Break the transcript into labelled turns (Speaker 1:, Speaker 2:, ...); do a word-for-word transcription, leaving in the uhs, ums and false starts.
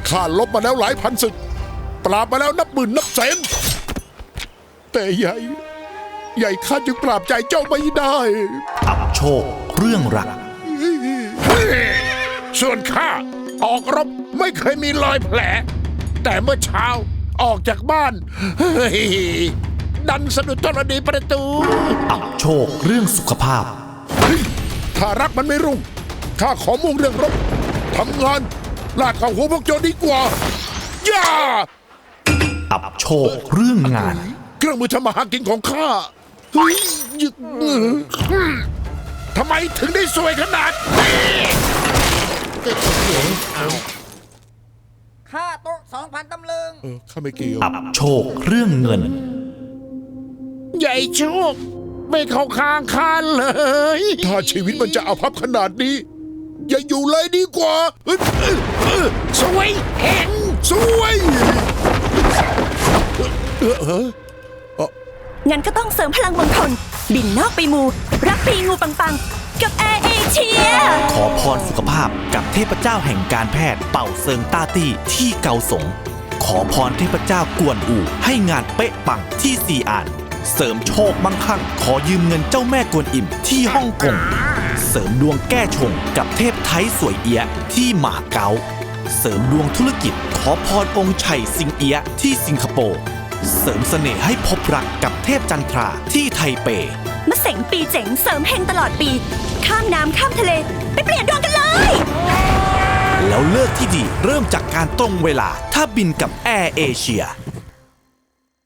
Speaker 1: ข้าลบมาแล้วหลายพันศึกปราบมาแล้วนับหมื่นนับแสนแต่ใหญ่ใหญ่ข้าจึงปราบใจเจ้าไม่ได้
Speaker 2: อับโชคเรื่องรัก
Speaker 1: ส่วนข้าออกรบไม่เคยมีรอยแผลแต่เมื่อเช้าออกจากบ้านเฮ้ยดันสะดุดธรณีประตู
Speaker 2: อับโชคเรื่องสุขภาพ
Speaker 1: ถ้ารักมันไม่รุ่งข้าขอมุ่งเรื่องรบทำงานลากเข้าหัวพวกโจรดีกว่าย่า
Speaker 2: อับโชคเรื่องงาน
Speaker 1: เครื่องมือทำมาหากินของข้าเฮ้ยยึกทำไมถึงได้สวยขนาดนี้
Speaker 3: ค่าโต๊ะสองพันตำลึง
Speaker 1: เออข้าไม่เกี่ยว
Speaker 2: อับโชคเรื่องเงิน
Speaker 1: ใหญ่โชคไม่เข้าข้างข้าเลย ถ้าชีวิตมันจะเอาพับขนาดนี้ อย่าอยู่เลยดีกว่าเอ้ยเอ้ยเอ้ยสวยเห็นสวยเออเออ
Speaker 4: งั้นก็ต้องเสริมพลังมงคลบินนอกไปมู รับปีงูปังๆ กับแอร์เอเชีย
Speaker 2: ขอพรสุขภาพกับเทพเจ้าแห่งการแพทย์เป่าเซิงต้าตี้ที่เกาสง ขอพรเทพเจ้ากวนอูให้งานเป๊ะปังที่ซีอาน เสริมโชคมั่งคั่งขอยืมเงินเจ้าแม่กวนอิมที่ฮ่องกง เสริมดวงแก้ชงกับเทพไทยสวยเอียะที่หมาเก๊า เสริมดวงธุรกิจขอพรองค์ไฉสิงเอียะที่สิงคโปร์เสริมเสน่ห์ให้พบรักกับเทพจันทราที่ไทเป
Speaker 4: มาเสงปีเจ๋งเสริมเฮงตลอดปี ข้ามน้ำข้ามทะเล ไปเปลี่ยนดวงกันเลย
Speaker 2: แล้วเลิกที่ดีเริ่มจากการตรงเวลาถ้าบินกับแอร์เอเชีย